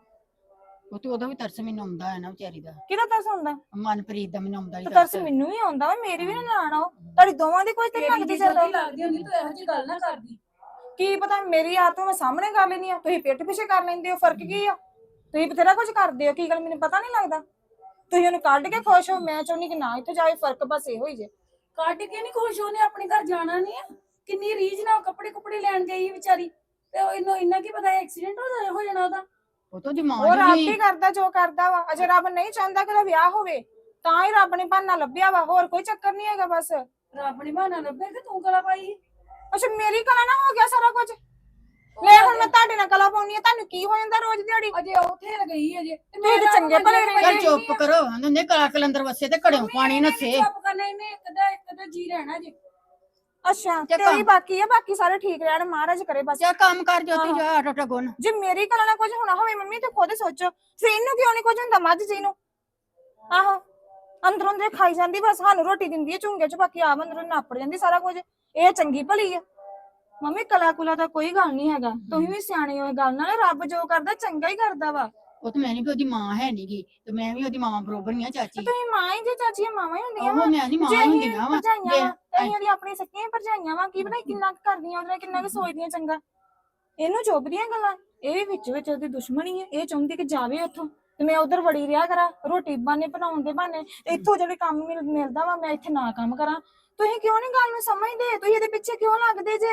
F: ਉਹ ਤੇ ਉਹਦਾ ਵੀ ਤਰਸ ਮੈਨੂੰ ਆਉਂਦਾ ਹੈ ਨਾ ਵਿਚਾਰੀ ਦਾ
H: ਕਿਹਦਾ ਤਰਸ ਹੁੰਦਾ
F: ਮਨਪ੍ਰੀਤ ਦਾ ਮੈਨੂੰ ਆਉਂਦਾ ਹੀ
H: ਤੇ ਤਰਸ ਮੈਨੂੰ ਵੀ ਆਉਂਦਾ ਵਾ ਮੇਰੀ ਵੀ ਨਾ ਲਾਣ ਆਓ ਤੁਹਾਡੀ ਦੋਵਾਂ ਦੀ ਕੋਈ ਤੇ
G: ਤੇਰੀ
H: ਲੱਗਦੀ
G: ਦੀ
H: ਚੱਲੋ
G: ਜਲਦੀ ਲੱਗਦੀ ਹੁੰਦੀ ਤੂੰ ਇਹੋ ਜਿਹੀ ਗੱਲ ਨਾ ਕਰਦੀ।
H: ਕੀ ਪਤਾ ਮੇਰੀ ਆਦਤ ਮੈਂ ਸਾਹਮਣੇ ਕਰ ਲੈਣੀ ਆ ਤੁਸੀਂ ਪਿੱਠ ਪਿੱਛੇ ਕਰ ਲੈਂਦੇ ਹੋ ਫਰਕ ਕੀ ਆ ਤੁਸੀਂ ਬਥੇਰਾ ਕੁਝ ਕਰਦੇ ਹੋ ਕੀ ਗੱਲ ਮੈਨੂੰ ਪਤਾ ਨਹੀਂ ਲੱਗਦਾ ਤੁਸੀਂ ਉਹਨੂੰ ਕੱਢ ਕੇ ਖੁਸ਼ ਹੋ ਮੈਂ ਚਾਹੁੰਦੀ ਕਿ ਨਾ ਇੱਥੇ ਜਾਏ ਫਰਕ ਬਸ ਇਹੋ ਹੀ ਜੇ
G: ਕੱਢ ਕੇ ਨਹੀਂ ਖੁਸ਼ ਉਹਨੇ ਆਪਣੇ ਘਰ ਜਾਣਾ ਨਹੀਂ ਆ ਕਿੰਨੀ ਰੀਝ ਨਾਲ ਕੱਪੜੇ ਕੁਪੜੇ ਲੈਣ ਗਈ ਵਿਚਾਰੀ ਤੇ ਉਹ ਇਹਨੂੰ ਇੰਨਾ ਕੀ ਪਤਾ ਐਕਸੀਡੈਂਟ ਹੋ ਜਾਣਾ ਹੋ ਜਾਣਾ ਉਹਦਾ।
F: ਉਹ ਤਾਂ ਦਿਮਾਗ
H: ਉਹ ਰੱਬ
F: ਹੀ
H: ਹੀ ਕਰਦਾ ਜੋ ਕਰਦਾ ਵਾ ਅਜੇ ਰੱਬ ਨਹੀਂ ਚਾਹੁੰਦਾ ਕਿ ਉਹਦਾ ਵਿਆਹ ਹੋਵੇ ਤਾਂ ਹੀ ਰੱਬ ਨੇ ਬਹਾਨਾ ਲੱਭਿਆ ਵਾ ਹੋਰ ਕੋਈ ਚੱਕਰ ਨਹੀਂ ਹੈਗਾ ਬਸ
G: ਰੱਬ ਨੇ ਬਹਾਨਾ ਲੱਭਿਆ ਕਿ ਤੂੰ ਕਲਾ ਪਾਈ।
H: ਅੱਛਾ ਮੇਰੀ ਕਲਾ ਨਾ ਹੋ ਗਿਆ ਸਾਰਾ ਕੁਝ ਲੈ ਹੁਣ ਮੈਂ ਤੁਹਾਡੇ ਨਾਲ ਕਲਾ ਪਾਉਣੀ ਆ ਤੁਹਾਨੂੰ ਕੀ ਹੋ ਜਾਂਦਾ ਰੋਜ਼ ਦਿਹਾੜੀ
G: ਅਜੇ ਉੱਥੇ ਗਈ ਅਜੇ ਤੇ
H: ਤੁਸੀਂ ਤਾਂ ਚੰਗੇ ਭਲੇ ਰਹਿੰਦੇ
F: ਚੱਲ ਚੁੱਪ ਕਰੋ ਉਹਨੇ ਕਲਾ ਕਲੰਦਰ ਵਸੇ ਤੇ ਘੜਿਓ ਪਾਣੀ ਨੱਸੇ
G: ਚੁੱਪ ਕਰਨਾ ਇਹਨੇ ਇੱਕ ਦਾ ਇੱਕ ਦਾ ਜੀ ਰਹਿਣਾ ਜੇ।
H: ਅੱਛਾ
F: ਤੇ
H: ਤੇਰੀ
F: ਕੰਮ-
H: ਬਾਕੀ ਆ ਬਾਕੀ ਸਾਰੇ ਠੀਕ ਰਹਿਣ ਮਹਾਰਾਜ ਕਰੇ ਬਸ
F: ਜਾ ਕੰਮ ਕਰ ਜੋਤੀ ਜਾ ਆਟਾ ਆਟਾ ਗੁੰਨ
H: ਜੇ ਮੇਰੀ ਕਲਾ ਨਾਲ ਕੁਝ ਹੋਣਾ ਹੋਵੇ ਮੰਮੀ ਤੇ ਖੁਦ ਸੋਚੋ ਫਿਰ ਇਹਨੂੰ ਕਿਉਂ ਨਹੀਂ ਕੁਝ ਹੁੰਦਾ ਮੱਝ ਜੀ ਨੂੰ ਆਹੋ ਅੰਦਰੋਂ ਦੇ ਖਾਈ ਜਾਂਦੀ ਬਸ ਸਾਨੂੰ ਰੋਟੀ ਦਿੰਦੀ ਹੈ ਝੁੰਗੇ ਚ ਬਾਕੀ ਆਪ ਅੰਦਰੋਂ ਨਾਪੜ ਜਾਂਦੀ ਸਾਰਾ ਕੁਝ ਇਹ ਚੰਗੀ ਭਲੀ ਆ ਮੰਮੀ ਕਲਾ ਕੁਲਾ ਦਾ ਕੋਈ ਗੱਲ ਨਹੀਂ ਹੈਗਾ ਤੁਸੀਂ ਵੀ ਸਿਆਣੇ ਹੋ ਇਹ ਗੱਲ ਨਾਲ ਰੱਬ ਜੋ ਕਰਦਾ ਚੰਗਾ ਹੀ ਕਰਦਾ ਵਾ
F: ਉਹ ਤੇ ਮੈਂ ਨਹੀਂ ਵੀ ਉਹਦੀ ਮਾਂ ਹੈ ਨਹੀਂਗੀ ਤੇ ਮੈਂ ਵੀ ਉਹਦੀ ਮਾਂ ਬਰੋਬਰ ਹੀ ਆ ਚਾਚੀ
H: ਤੁਸੀਂ ਮਾਂ ਹੀ ਜੇ ਚਾਚੀਆਂ ਮਾਵਾਂ ਹੀ ਹੁੰਦੀਆਂ
F: ਉਹ
H: ਵਾ
F: ਮੈਂ ਨਹੀਂ ਮਾਂ
H: ਜੇ
F: ਹੀ
H: ਅਸੀਂ
F: ਹੁੰਦੀਆਂ ਵਾ
H: ਭਰਜਾਈਆਂ ਵਾ ਤੇ ਅਸੀਂ ਉਹਦੀ ਆਪਣੀ ਸੱਕੀਆਂ ਭਰਜਾਈਆਂ ਵਾ ਕੀ ਪਤਾ ਕਿੰਨਾ ਕੁ ਕਰਦੀਆਂ ਉਹਦੇ ਨਾਲ ਕਿੰਨਾ ਕੁ ਸੋਚਦੀਆਂ ਚੰਗਾ ਇਹਨੂੰ ਚੁੱਭਦੀਆਂ ਗੱਲਾਂ ਇਹ ਵੀ ਵਿੱਚ ਵਿੱਚ ਉਹਦੀ ਦੁਸ਼ਮਣੀ ਹੈ ਇਹ ਚਾਹੁੰਦੀ ਕਿ ਜਾਵੇ ਉੱਥੋਂ ਤੇ ਮੈਂ ਉਧਰ ਵੜੀ ਰਿਹਾ ਕਰਾਂ ਰੋਟੀ ਬਾਨੇ ਬਣਾਉਣ ਦੇ ਬਾਨੇ ਤੇ ਇੱਥੋਂ ਜਿਹੜੇ ਕੰਮ ਮਿਲ- ਮਿਲਦਾ ਵਾ ਮੈਂ ਇੱਥੇ ਨਾ ਕੰਮ ਕਰਾਂ ਤੁਸੀਂ ਕਿਉਂ ਨਹੀਂ ਗੱਲ ਨੂੰ ਸਮਝਦੇ ਤੁਸੀਂ ਇਹਦੇ ਪਿੱਛੇ ਕਿਉਂ ਲੱਗਦੇ ਜੇ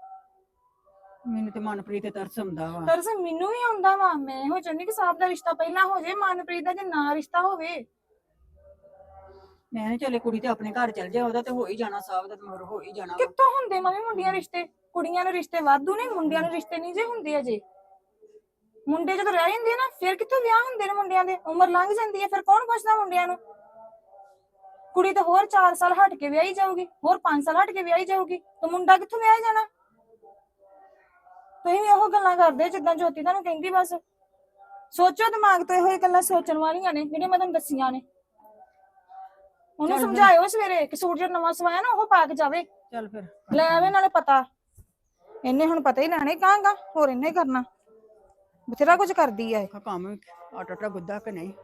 F: ਮੈਨੂੰ ਤੇ ਮਨਪ੍ਰੀਤ ਤੇ ਤਰਸ ਆਉਂਦਾ ਵਾ
H: ਦਰਅਸਲ ਮੈਨੂੰ ਵੀ ਆਉਂਦਾ ਵਾ ਮੈਂ ਇਹੋ ਚਾਹੁੰਦੀ ਕਿ ਸਾਹਿਬ ਦਾ ਰਿਸ਼ਤਾ ਪਹਿਲਾਂ ਹੋ ਜਾਏ ਮਨਪ੍ਰੀਤ ਦਾ ਜੇ ਨਾ ਰਿਸ਼ਤਾ ਹੋਵੇ
F: ਮੈਂ ਨੀ ਚੱਲੇ ਕੁੜੀ ਤੇ ਆਪਣੇ ਘਰ ਚਲ ਜਾ ਉਹਦਾ ਤੇ ਹੋ ਹੀ ਜਾਣਾ ਸਾਹਿਬ ਦਾ ਤੇ ਮਗਰ ਹੋ ਹੀ ਜਾਣਾ ਵਾ।
H: ਕਿੱਥੋਂ ਹੁੰਦੇ ਮੰਮੀ ਮੁੰਡਿਆਂ ਰਿਸ਼ਤੇ ਕੁੜੀਆਂ ਨੂੰ ਰਿਸ਼ਤੇ ਵਾਧੂ ਨੇ ਮੁੰਡਿਆਂ ਨੂੰ ਰਿਸ਼ਤੇ ਨਹੀਂ ਜੇ ਹੁੰਦੇ ਅਜੇ ਮੁੰਡੇ ਜਦੋਂ ਰਹਿ ਜਾਂਦੇ ਆ ਨਾ ਫਿਰ ਕਿੱਥੋਂ ਵਿਆਹ ਹੁੰਦੇ ਨੇ ਮੁੰਡਿਆਂ ਦੇ ਉਮਰ ਲੰਘ ਜਾਂਦੀ ਹੈ ਫਿਰ ਕੌਣ ਪੁੱਛਦਾ ਮੁੰਡਿਆਂ ਨੂੰ ਕੁੜੀ ਤਾਂ ਹੋਰ ਚਾਰ ਸਾਲ ਹਟ ਕੇ ਵਿਆਹੀ ਜਾਊਗੀ ਹੋਰ ਪੰਜ ਸਾਲ ਹਟ ਕੇ ਵਿਆਹੀ ਜਾਊਗੀ ਤੇ ਮੁੰਡਾ ਕਿੱਥੋਂ ਵਿਆਹ ਜਾਣਾ ਤੁਸੀਂ ਵੀ ਉਹ ਗੱਲਾਂ ਕਰਦੇ ਜਿੱਦਾਂ ਜੋਤੀ ਤੁਹਾਨੂੰ ਕਹਿੰਦੀ ਬਸ ਸੋਚੋ ਦਿਮਾਗ ਤੋਂ ਇਹੋ ਹੀ ਗੱਲਾਂ ਸੋਚਣ ਵਾਲੀਆਂ ਨੇ ਜਿਹੜੀਆਂ ਮੈਂ ਤੁਹਾਨੂੰ ਦੱਸੀਆਂ ਨੇ ਉਹਨੂੰ ਸਮਝਾਇਓ ਸਵੇਰੇ ਕਿ ਸੂਟ ਜਿਹੜਾ ਨਵਾਂ ਸਵਾਇਆ ਨਾ ਉਹ ਪਾ ਕੇ ਜਾਵੇ
F: ਚੱਲ ਫਿਰ
H: ਲੈ ਆਵੇ ਨਾਲੇ ਪਤਾ ਇਹਨੇ ਹੁਣ ਪਤਾ ਹੀ ਲੈਣੇ ਕਾਂਗਾ ਹੋਰ ਇਹਨੇ ਕਰਨਾ ਬਥੇਰਾ ਕੁਝ ਕਰਦੀ ਆ ਇਹ
F: ਆਹ ਕੰਮ ਆਟਾ ਆਟਾ ਗੁੱਦਾ ਕਿ ਨਹੀਂ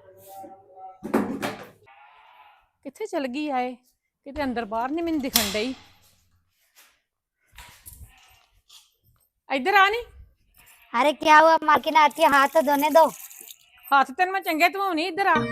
C: ਕਿੱਥੇ ਚਲ ਗਈ ਆਏ ਕਿਤੇ ਅੰਦਰ ਬਾਹਰ ਨਹੀਂ ਮੈਨੂੰ ਦਿਖਣ ਡਈ ਇੱਧਰ ਆ ਨੀ
A: अरे क्या हुआ मालकिन आती है हाथ तो धोने दो।
C: ਹੱਥ ਤੈਨੂੰ ਮੈਂ ਚੰਗੇ ਧਵਾਉਣੀ ਇੱਧਰ ਆ